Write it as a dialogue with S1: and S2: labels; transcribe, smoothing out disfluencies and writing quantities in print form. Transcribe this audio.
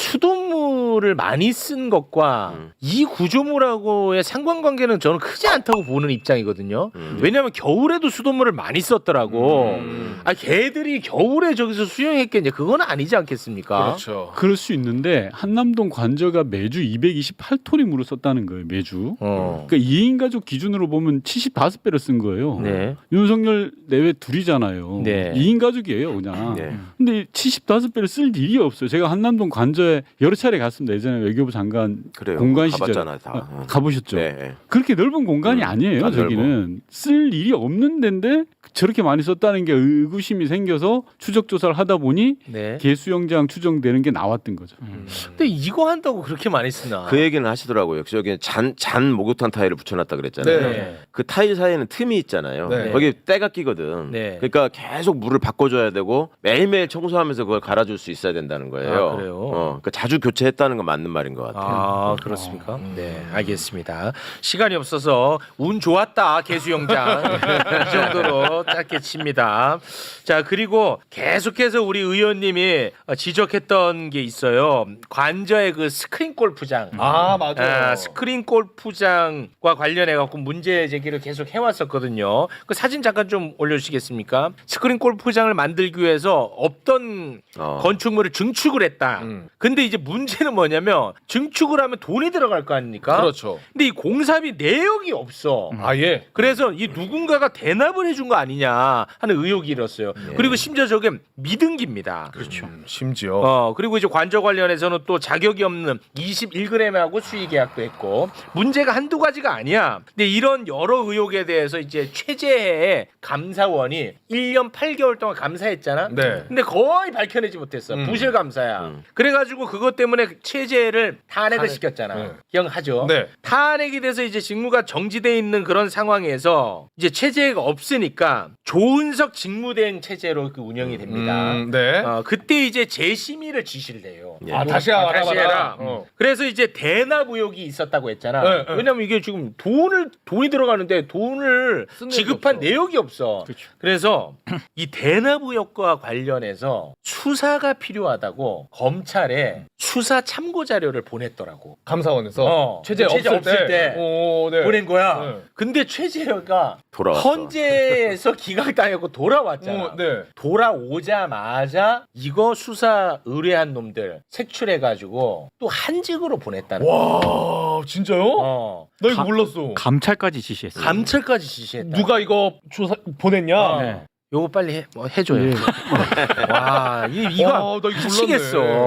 S1: 수돗물을 많이 쓴 것과 이 구조물하고의 상관관계는 저는 크지 않다고 보는 입장이거든요. 왜냐하면 겨울에도 수돗물을 많이 썼더라고. 아, 개들이 겨울에 저기서 수영했겠냐? 그건 아니지 않겠습니까?
S2: 그렇죠.
S3: 그럴 수 있는데 한남동 관저가 매주 228톤의 물을 썼다는 거예요. 매주. 그러니까 2인 가족 기준으로 보면 75배를 쓴 거예요.
S1: 네.
S3: 윤석열 내외 둘이잖아요.
S1: 네.
S3: 2인 가족이에요, 그냥.
S4: 네.
S3: 근데 75배를 쓸 일이 없어요. 제가 한남동 관저에 여러 차례 갔습니다. 예전에 외교부 장관
S4: 그래요.
S3: 공간 시절
S4: 가봤잖아요, 다.
S3: 가보셨죠?
S4: 네.
S3: 그렇게 넓은 공간이 아니에요.
S4: 안
S3: 저기는 쓸 일이 없는 데인데 저렇게 많이 썼다는 게 의구심이 생겨서 추적 조사를 하다 보니
S1: 네.
S3: 개수영장 추정되는 게 나왔던 거죠.
S1: 근데 이거 한다고 그렇게 많이 쓰나?
S4: 그 얘기는 하시더라고요. 저기 잔 목욕탕 타일을 붙여놨다 그랬잖아요.
S1: 네.
S4: 그 타일 사이에는 틈이 있잖아요.
S2: 네.
S4: 거기 때가 끼거든.
S1: 네.
S4: 그러니까 계속 물을 바꿔줘야 되고 매일매일 청소하면서 그걸 갈아줄 수 있어야 된다는 거예요.
S1: 아, 그래요?
S4: 그러니까 자주 교체했다는 건 맞는 말인 것 같아요.
S1: 아, 그렇습니까? 네, 알겠습니다. 시간이 없어서 운 좋았다, 개수영장. 이 정도로 짧게 칩니다. 자, 그리고 계속해서 우리 의원님이 지적했던 게 있어요. 관저의 그 스크린 골프장.
S2: 아 맞아요.
S1: 스크린 골프장과 관련해 갖고 문제 제기를 계속 해왔었거든요. 그 사진 잠깐 좀 올려주시겠습니까? 스크린 골프장을 만들기 위해서 없던 건축물을 증축을 했다. 근데 이제 문제는 뭐냐면 증축을 하면 돈이 들어갈 거 아닙니까?
S2: 그렇죠.
S1: 근데 이 공사비 내역이 없어.
S2: 아예.
S1: 그래서 이 누군가가 대납을 해준 거 아니냐 하는 의혹이 일었어요. 그리고 심지어 저게 미등기입니다.
S2: 그렇죠. 심지어.
S1: 그리고 이제 관저 관련해서는 또 자격이 없는 21g하고 수의 계약도 했고 문제가 한두 가지가 아니야. 근데 이런 여러 의혹에 대해서 이제 최재해 감사원이 1년 8개월 동안 감사했잖아.
S2: 네.
S1: 근데 거의 밝혀내지 못했어. 부실 감사야. 그래가지고 그것 때문에 최재해를 탄핵을 시켰잖아.
S2: 네.
S1: 기억하죠?
S2: 네.
S1: 탄핵이 돼서 이제 직무가 정지돼 있는 그런 상황에서 이제 체제가 없으니까 조은석 직무대행 체제로 그 운영이 됩니다.
S2: 네.
S1: 그때 이제 재심의를 지시를 해요.
S4: 예.
S2: 아 다시 알아봐라.
S1: 다시 해라. 그래서 이제 대납 의혹이 있었다고 했잖아.
S2: 네, 네.
S1: 왜냐면 이게 지금 돈이 들어가는데 돈을
S2: 쓴 내역이
S1: 지급한
S2: 없어.
S1: 내역이 없어. 그래서 이 대납 의혹과 관련해서 수사가 필요하다고 검찰에 수사 참고 자료를 보냈더라고.
S2: 감사원에서 최재
S1: 최재 없을 때
S2: 오, 네.
S1: 보낸 거야.
S2: 네.
S1: 근데 최재해가
S4: 돌아왔어.
S1: 헌재에서 기각당했고 돌아왔잖아.
S2: 네.
S1: 돌아오자마자 이거 수사 의뢰한 놈들 색출해가지고 또 한직으로 보냈다는 거야.
S2: 와 진짜요? 나 이거 몰랐어.
S5: 감찰까지 지시했어요.
S1: 감찰까지 지시했다.
S2: 누가 이거 조사 보냈냐?
S1: 네. 요거 빨리 해줘요.
S3: 예.
S1: 와, 이거
S2: 와, 나 이거 몰랐네.
S1: 미치겠어.